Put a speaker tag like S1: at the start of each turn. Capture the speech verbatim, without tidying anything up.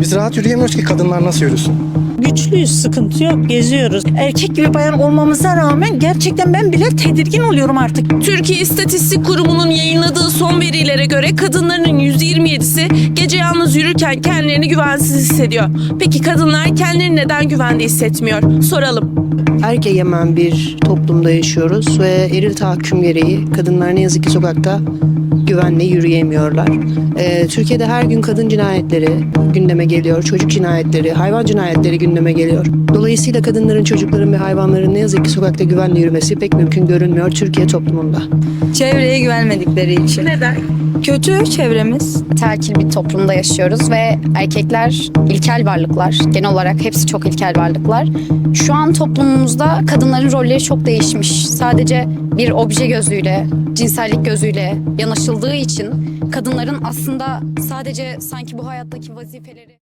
S1: Biz rahat yürüyemiyoruz ki kadınlar nasıl yürüsün?
S2: Güçlüyüz, sıkıntı yok, geziyoruz. Erkek gibi bayan olmamıza rağmen gerçekten ben bile tedirgin oluyorum artık.
S3: Türkiye İstatistik Kurumu'nun yayınladığı son verilere göre kadınların yüzde yirmi yedisi gece yalnız yürürken kendilerini güvensiz hissediyor. Peki kadınlar kendilerini neden güvende hissetmiyor? Soralım.
S4: Erk egemen bir toplumda yaşıyoruz ve eril tahakküm gereği kadınlar ne yazık ki sokakta güvenle yürüyemiyorlar. Ee, Türkiye'de her gün kadın cinayetleri gündeme geliyor, çocuk cinayetleri, hayvan cinayetleri gündeme geliyor. Dolayısıyla kadınların, çocukların ve hayvanların ne yazık ki sokakta güvenle yürümesi pek mümkün görünmüyor Türkiye toplumunda.
S5: Çevreye güvenmedikleri için.
S3: Neden?
S5: Kötü çevremiz.
S6: Terkil bir toplumda yaşıyoruz ve erkekler ilkel varlıklar. Genel olarak hepsi çok ilkel varlıklar. Şu an toplumumuzda kadınların rolleri çok değişmiş. Sadece bir obje gözüyle, cinsellik gözüyle yanaşıldığı için kadınların aslında sadece sanki bu hayattaki vazifeleri...